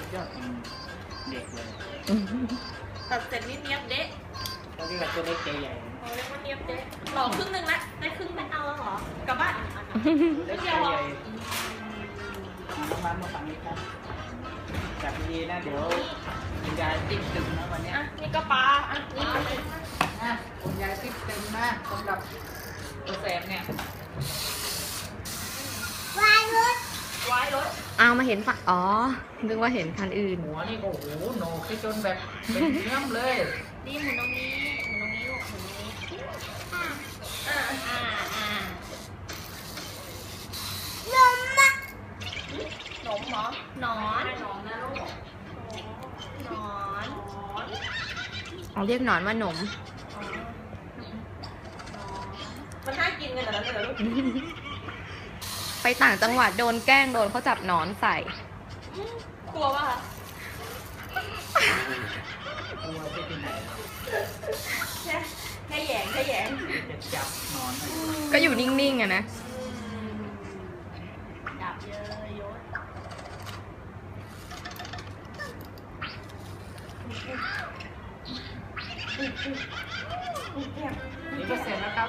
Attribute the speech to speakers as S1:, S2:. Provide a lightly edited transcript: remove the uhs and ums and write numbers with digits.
S1: ยอดเด็กเลย
S2: ตัดเสร็จนี่เนียบเด๊ะ
S1: เขาเรียกว่าตัวเล็กใจใหญ่
S2: เขาเรียกว่าเนียบเด๊ะต่อครึ่งหนึ่งละได้ครึ่งไม่เอาแล้วเหรอกลับบ้าน
S1: เล็กใจใหญ่น้ำมันมาฝั่งนี้ครับจับดีๆนะเดี๋ยวคุณยายติ๊กตึงนะวันนี้
S2: อ่ะนี่ก็ปลาอ่ะนี่
S1: นะคุณยายติ๊กตึงนะสำหรับตัวแสบเนี่ย
S2: ไว้รถ
S3: เอามาเห็นฝั่งอ๋อนึกว่าเห็นคันอื่น
S1: หัวนี่โอ้โหโหนกจนแบบเป็นเนื้อเลย
S2: นี่หมุนตรงนี้หมุนตรงนี้ลูกหมุนตรงนี้อ่าหนมเหรอหนอนหนอนนะลูกหนอน
S3: เอาเรียกหนอนว่าหนม
S2: มันน่ากินกันแต่ละเลยลูก
S3: ไปต่างจังหวัดโดนแกล้งโดนเขาจับหนอนใส่
S2: กลัวป่ะ
S1: ตัวจะเป็นไหน
S2: แค่แหยงแค่แหยง
S1: จะจับนอนนะ
S3: ก็อยู่นิ่งๆอะนะ
S2: ดับเยอะยศ
S1: นี่ก็เสร็จแล้วครับ